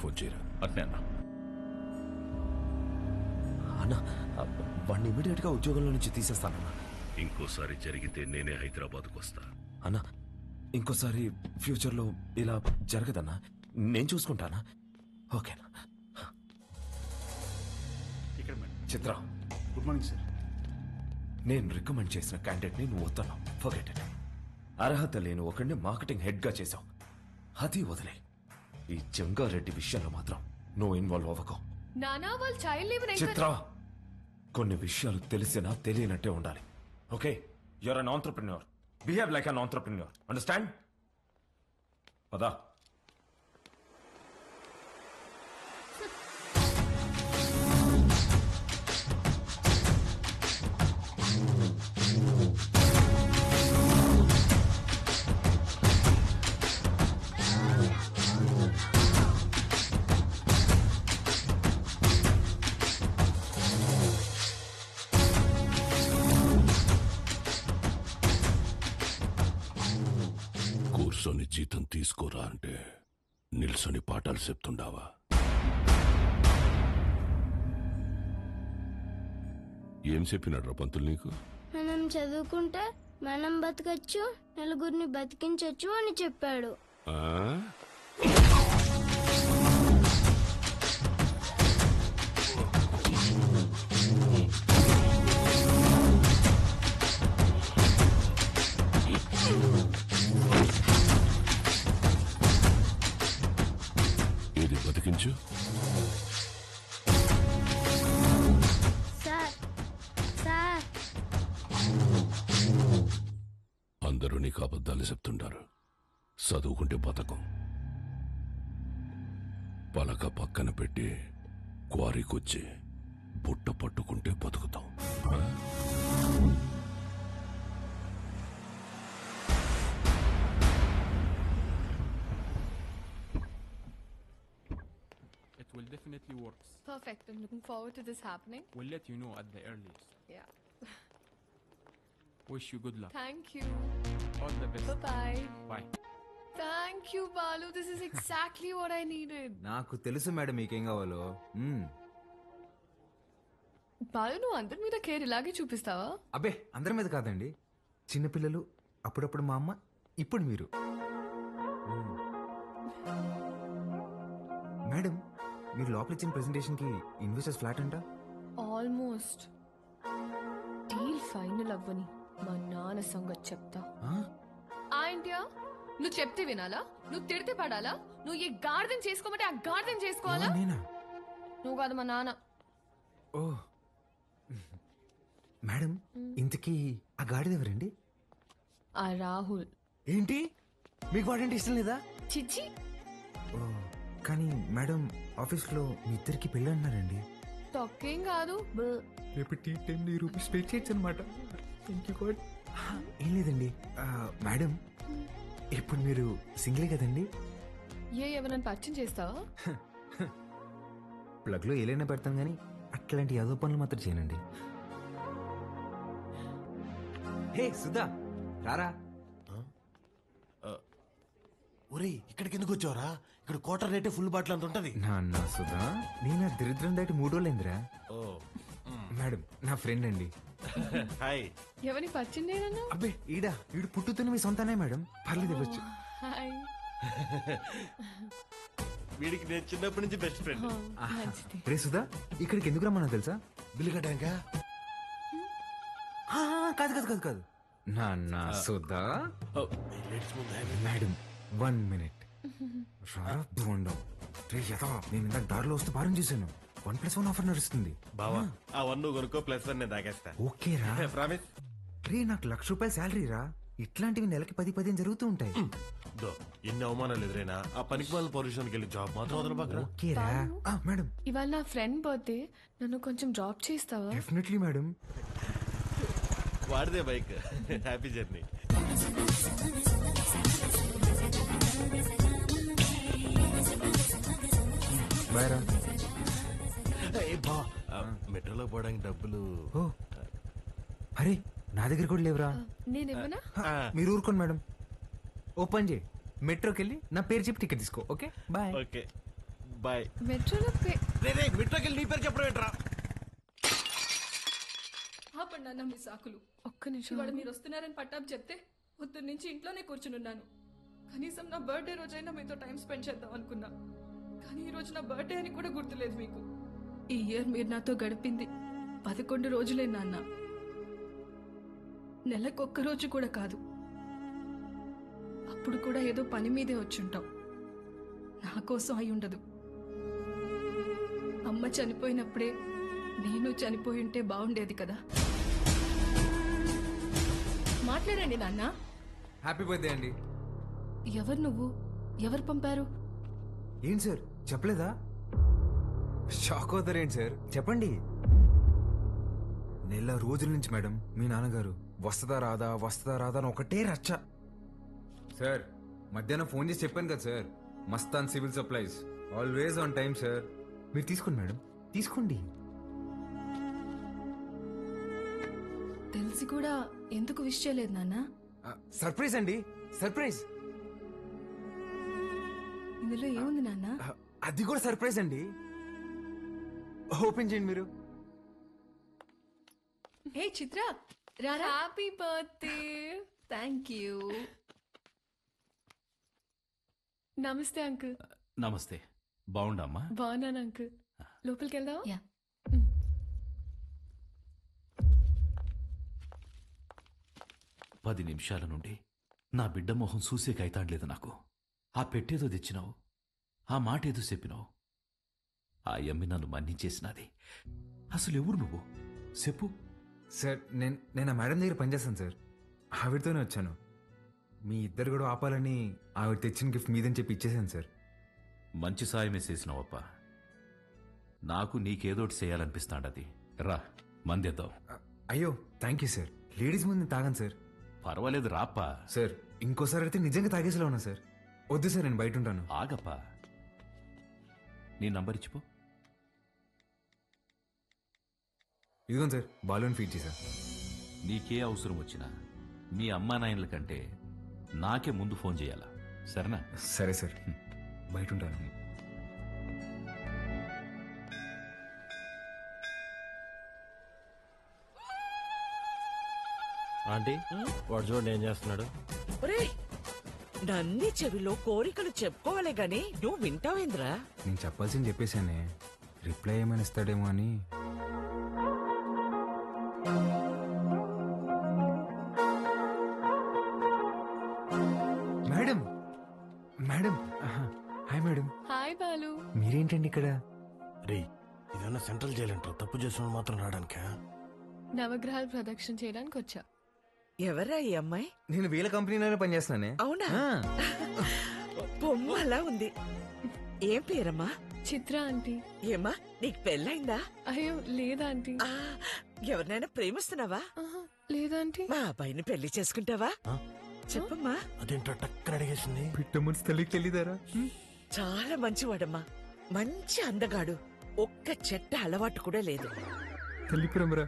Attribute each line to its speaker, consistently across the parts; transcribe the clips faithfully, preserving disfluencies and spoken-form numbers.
Speaker 1: Phone చేయరా.
Speaker 2: అట్నే అన్నా.
Speaker 3: అన్న వాడిని ఇమీడియట్ గా ఉద్యోగంలో నుంచి తీసేస్తానన్నా.
Speaker 1: ఇంకోసారి జరిగితే నేనే హైదరాబాద్కు వస్తా.
Speaker 3: అన్నా ఇంకోసారి ఫ్యూచర్ లో ఇలా జరగదన్నా, నేను చూసుకుంటానా? ఓకేనా?
Speaker 4: ఇక్కడ madam.
Speaker 3: Chitra,
Speaker 4: good morning sir.
Speaker 3: నేను రికమెండ్ చేసిన క్యాండిడేట్ ని నువ్వు వద్దన్నావు. Forget it. అర్హత లేని ఒకడిని మార్కెటింగ్ హెడ్ గా చేశావు. అది వదిలే. ఈ జంగారెడ్డి విషయంలో మాత్రం నువ్వు ఇన్వాల్వ్ అవ్వకు.
Speaker 5: నానా వాళ్ళు చైల్డ్ లీవ్
Speaker 3: చిత్ర, కొన్ని విషయాలు తెలిసినా తెలియనట్టే ఉండాలి. Okay, you're an entrepreneur. Behave like an entrepreneur. Understand? పదా.
Speaker 1: కూర్చొని జీతం తీసుకోరా అంటే నిల్సొని పాఠాలు చెప్తుండావా? ఏం చెప్పినాడ్రా పంతులు నీకు?
Speaker 6: మనం చదువుకుంటే మనం బతకచ్చు, నలుగురిని బతికించచ్చు అని చెప్పాడు.
Speaker 1: ఆ? ఏది బతికించు?
Speaker 6: సార్ సార్
Speaker 1: అందరూ నీకు అబద్ధాలు చెప్తుంటారు. చదువుకుంటే బతకం. పలక పక్కన పెట్టి క్వారీకొచ్చి బుట్ట పట్టుకుంటే బతుకుతాం. ఆ?
Speaker 7: It will definitely work.
Speaker 5: Perfect. I'm looking forward to this happening.
Speaker 7: We'll let you know at the earliest.
Speaker 5: Yeah.
Speaker 7: Wish you good luck.
Speaker 5: Thank you.
Speaker 7: All the best.
Speaker 5: Bye-bye.
Speaker 7: Bye.
Speaker 5: Thank you, Balu. This is exactly what I needed.
Speaker 8: నాకు తెలుసు madam మీకేం కావాలో. మ్మ్.
Speaker 5: బాలు, నువ్వు అందరి మీద care ఇలాగే చూపిస్తావా?
Speaker 8: అబ్బే అందరి మీద కాదండి, చిన్నపిల్లలు, అప్పుడప్పుడు మా అమ్మ, ఇప్పుడు మీరు. మ్మ్. మేడం మీరు లోపల ఇచ్చిన ప్రెజెంటేషన్ కి ఇన్వెస్టర్స్ ఫ్లాట్ అంట.
Speaker 5: ఆల్మోస్ట్. డీల్ ఫైనల్ అవ్వని మా నాన్న సంగతి చెప్తా.
Speaker 8: ఆ?
Speaker 5: ఆంటియా, నువ్వు చెప్తే వినాలా? నువ్వు తిడితే పడాలా? నువ్వు ఏ గార్డెన్ చేసుకోమంటే ఆ గార్డెన్ చేసుకోవాలా?
Speaker 8: ఎవరు, నేనా?
Speaker 5: నువ్వు కాదు, మా నాన్న.
Speaker 8: ఓ మేడం ఇంతకీ ఆ గాడిద ఎవరండి?
Speaker 5: ఆ రాహుల్.
Speaker 8: ఏంటి మీకు వాడంటే ఇష్టం లేదా?
Speaker 5: చిచ్చి.
Speaker 8: ఓ కానీ మేడం ఆఫీస్ లో మీ ఇద్దరికి పెళ్ళి అన్నారండి.
Speaker 5: తొక్కేం కాదు.
Speaker 8: రేపు టీ టెన్ రూపీస్ పే చేయొచ్చు అనమాట. ఏం లేదండి ఆ, మేడం ఇప్పుడు మీరు సింగిలే కదండి?
Speaker 5: ఏ ఎవరైనా పరిచయం చేస్తావా?
Speaker 8: ప్లగ్ లో ఏలైనా పెడతాం కానీ అట్లాంటి యాదో పనులు మాత్రం చేయనండి. హే సుధా రారా.
Speaker 9: ఒరేయ్, ఇక్కడికి ఎందుకు వచ్చావరా? ఇక్కడ క్వార్టర్ రేటే ఫుల్ బాటిల్ అంత ఉంటది.
Speaker 8: నాన్న సుధా, నేను ఆ దరిద్రం దాటి మూడు రోజులైందిరా.
Speaker 9: ఓ
Speaker 8: మేడం నా ఫ్రెండ్ అండి.
Speaker 9: హాయ్.
Speaker 5: ఎవరిని పరిచయం చేయనన్నా?
Speaker 8: అబ్బే ఈడా ఈడు పుట్టుతున్న మీ సొంతనే మేడం, పర్లేదు ఇవ్వచ్చు.
Speaker 5: హాయ్.
Speaker 9: వీడికి నేను చిన్నప్పటి నుంచి బెస్ట్ ఫ్రెండ్.
Speaker 5: మంచిది.
Speaker 8: రే సుధా, ఇక్కడికి ఎందుకు రమ్మన్నా తెలుసా?
Speaker 9: బిల్లు కట్టాక.
Speaker 8: ఆ, కాదు కాదు కాదు కాదు నాన్న సుధా. మేడం వన్ మినిట్ బోండం. రే యథా, నేను ఇందాక దారిలో వస్తూ భారం చేశాను. వన్ ప్లస్ వన్ ఆఫర్ నడుస్తుంది.
Speaker 9: బావా ఆ వన్ నువ్వు కొనుక్కో, ప్లస్ వన్ నేను తాగేస్తా.
Speaker 8: ఓకే రా.
Speaker 9: ప్రామిస్.
Speaker 8: రే నాకు లక్ష రూపాయల శాలరీ రా. ఇట్లాంటివి నెలకి పది పదిహేను జరుగుతూ ఉంటాయి.
Speaker 9: దో ఎన్ని అవమానాలు ఎదురైనా ఆ పనికి వాళ్ళ పొల్యూషన్కి వెళ్ళి జాబ్ మాత్రం వదల పక్కన.
Speaker 8: ఓకే రా. ఆ, మేడం
Speaker 5: ఇవాళ నా ఫ్రెండ్ బర్త్డే, నన్ను కొంచెం డ్రాప్ చేస్తావా?
Speaker 8: Definitely madam.
Speaker 9: వాడిదే బైక్. Happy journey.
Speaker 8: బాయ్ రా.
Speaker 9: మెట్రోలో పోవడానికి డబ్బులు.
Speaker 8: ఓ అరే నా దగ్గర కూడా లేవురా.
Speaker 5: నేనేమన్నా?
Speaker 8: మీరు ఊరుకోండి మేడం. ఓ పని చేయి, మెట్రోకి వెళ్ళి నా పేరు చెప్పి టికెట్ తీసుకో. Okay bye.
Speaker 9: ఓకే బాయ్
Speaker 5: మెట్రోలో పే
Speaker 9: రే రే మిట్రోకి వెళ్ళి నీ పేరు చెప్పడం ఏంట్రా
Speaker 2: ఆపండి అన్న మీ సాకులు.
Speaker 5: ఒక్క నిమిషం
Speaker 2: ఇవాళ మీరు వస్తున్నారని పట్టాపు చెప్తే పొద్దున్న నుంచి ఇంట్లోనే కూర్చునున్నాను. కనీసం నా బర్త్డే రోజైనా మీతో టైం స్పెండ్ చేద్దాం అనుకున్నా, కానీ ఈ రోజు నా బర్త్డే అని కూడా గుర్తులేదు మీకు. ఈ ఇయర్ మీరు నాతో గడిపింది పదకొండు రోజులే నాన్న, నెలకొక్క రోజు కూడా కాదు. అప్పుడు కూడా ఏదో పని మీదే వచ్చుంటాం, నా కోసం అయి ఉండదు. అమ్మ చనిపోయినప్పుడే నేను చనిపోయి ఉంటే బాగుండేది కదా. మాట్లాడండి నాన్న.
Speaker 8: హ్యాపీ బర్త్డే అండి.
Speaker 2: ఎవరు నువ్వు? ఎవరు పంపారు?
Speaker 8: ఏంటి సార్ చెప్పలేదా? షాక్ అవుతారేంటి సార్, చెప్పండి. నెల రోజుల నుంచి మేడం మీ నాన్నగారు వస్తుందా రాదా వస్తుందా రాదా అని ఒకటే రచ్చ. సార్ మధ్యాహ్నం ఫోన్ చేసి చెప్పాను కదా sir, Mastan civil supplies always on time sir. మీరు తీసుకోండి మేడం, తీసుకోండి.
Speaker 2: తెలిసి కూడా ఎందుకు విష్ చేయలేదు నాన్న?
Speaker 8: సర్ప్రైజ్ అండి, సర్ప్రైజ్.
Speaker 2: ఇందులో ఏముంది నాన్న?
Speaker 8: అది కూడా సర్ప్రైజ్ అండి. ఓపెన్ చేయండి మీరు.
Speaker 2: హే చిత్ర, రారా.
Speaker 5: Happy birthday. Thank you. నమస్తే అంకుల్.
Speaker 1: నమస్తే. బాగుండమ్మా?
Speaker 5: బాగున్నాను అంకుల్. లోపలికి వెళ్దాం.
Speaker 2: యా.
Speaker 1: పది నిమిషాల నుండి నా బిడ్డ మొహం చూసే కైతాడలేదు నాకు. ఆ పెట్టేదో తెచ్చినావు, ఆ మాట ఏదో చెప్పినావు. ఆ యమ్మి నన్ను మన్నించేసినది. అసలు ఎవరు నువ్వు చెప్పు.
Speaker 8: సార్ నేను నేను ఆ మేడం దగ్గర పనిచేస్తాను సార్, ఆవిడతోనే వచ్చాను. మీ ఇద్దరు కూడా ఆపాలని ఆవిడ తెచ్చిన గిఫ్ట్ మీదని చెప్పి ఇచ్చేసాను సార్.
Speaker 1: మంచి సాయమే చేసినావప్ప. నాకు నీకేదోటి చేయాలనిపిస్తాండది. రా మందేద్దాం.
Speaker 8: అయ్యో థ్యాంక్ యూ సార్. లేడీస్ ముందు తాగాను సార్.
Speaker 1: పర్వాలేదు రాప్పా.
Speaker 8: సార్ ఇంకోసారి అయితే నిజంగా తాగేసేలా ఉన్నా సార్. వద్దు సార్, నేను బయట ఉంటాను.
Speaker 1: ఆగప్పా, నీ నంబర్ ఇచ్చిపో.
Speaker 8: ఇదిగోండి సార్, బాలూన్ ఫీడ్ చేశా.
Speaker 1: నీకే అవసరం వచ్చినా మీ అమ్మా నాయనల కంటే నాకే ముందు ఫోన్ చేయాలా, సరేనా?
Speaker 8: సరే సార్, బయట ఉంటాను.
Speaker 9: ఆంటీ వాడు చూడండి ఏం చేస్తున్నాడు.
Speaker 10: నన్ని చెవిలో కోరికలు చెప్పుకోవాలి గాని నువ్వు వింటావేంద్రా?
Speaker 8: నేను చెప్పాల్సింది చెప్పేశానే, రిప్లై ఏమైనా ఇస్తాడేమో అని. Madam madam hi madam.
Speaker 5: Hi Balu.
Speaker 8: మీరేంటండి ఇక్కడ?
Speaker 9: రే ఇదన్నా సెంట్రల్ జైలు అంటారు, తప్పు చేసిన మాత్రం రావడానికా?
Speaker 5: నవగ్రహాలు ప్రదక్షిణ చేయడానికి వచ్చా.
Speaker 10: ఎవరా ఈ అమ్మాయి?
Speaker 8: నేను వీళ్ళ కంపెనీలోనే పనిచేస్తున్నానే.
Speaker 10: అవునా?
Speaker 8: ఆ.
Speaker 10: బొమ్మలా ఉంది. ఏం పేరమ్మా?
Speaker 5: చిత్ర ఆంటీ.
Speaker 10: ఏమ్మా నీకు పెళ్ళైందా?
Speaker 5: అయ్యో లేదా ఆంటీ.
Speaker 10: ఆ, ఎవరినైనా ప్రేమిస్తున్నావా?
Speaker 5: ఆహా, లేదా ఆంటీ.
Speaker 10: మా అబ్బాయిని పెళ్లి చేసుకుంటావా?
Speaker 9: ఆ?
Speaker 10: చెప్పమ్మా.
Speaker 9: అదేంటో టక్కన అడిగేసింది.
Speaker 8: పిట్ట మనసు తల్లికి తెలియదారా?
Speaker 10: చాలా మంచివాడమ్మా, మంచి అందగాడు, ఒక్క చెట్ట అలవాటు కూడా లేదు.
Speaker 8: తల్లి ప్రేమరా.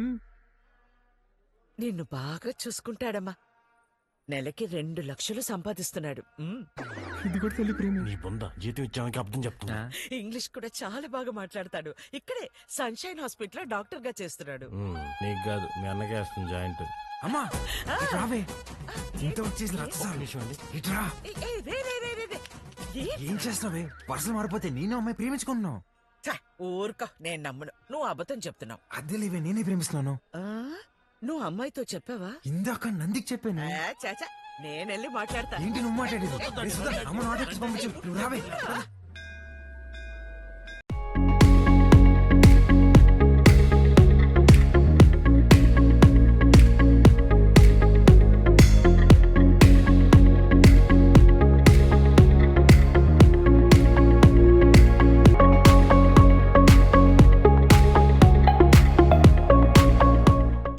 Speaker 10: నిన్ను బాగా చూసుకుంటాడమ్మా. నెలకి రెండు లక్షలు సంపాదిస్తున్నాడు. ఉమ్.
Speaker 8: ఇది కూడా తల్లి ప్రేమ.
Speaker 9: నీ బొంద జీతం ఇచ్చామకి అర్థం చెప్తున్నా.
Speaker 10: ఇంగ్లీష్ కూడా చాలా బాగా మాట్లాడతాడు. ఇక్కడే సన్షైన్ హాస్పిటల్ లో డాక్టర్ గా చేస్తున్నాడు.
Speaker 9: ఉమ్, నీకు కాదు మీ అన్నకే వేస్తుంది జాయింట్.
Speaker 8: అమ్మా ఇటు రావే. ఇంత వచ్చేసి
Speaker 10: ఏ-
Speaker 8: రచ్చసాలు.
Speaker 9: నిమిషం అండి.
Speaker 8: ఇటు రా.
Speaker 10: ఏ- ఏ, రే, రే, రే, రే, రే. ఏ-
Speaker 8: ఏం చేస్తున్నావే? పర్సలు మారిపోతే నేను అమ్మాయి ప్రేమించుకుంటున్నావు.
Speaker 10: ఛ, ఊరుకో, నేను నమ్మను. నువ్వు అబద్ధం చెప్తున్నావు.
Speaker 8: అద్దె లేవే, నేనే ప్రేమిస్తున్నాను.
Speaker 10: ఆ, నువ్వు అమ్మాయితో చెప్పావా?
Speaker 8: ఇందాక నందికి చెప్పాను.
Speaker 10: ఆ, చాచా నేనెళ్ళి మాట్లాడతా.
Speaker 8: ఏంటి నువ్వు మాట్లాడేది? రే సుధా, అమ్మ నాటకి పంపించు. నువ్వు రావే.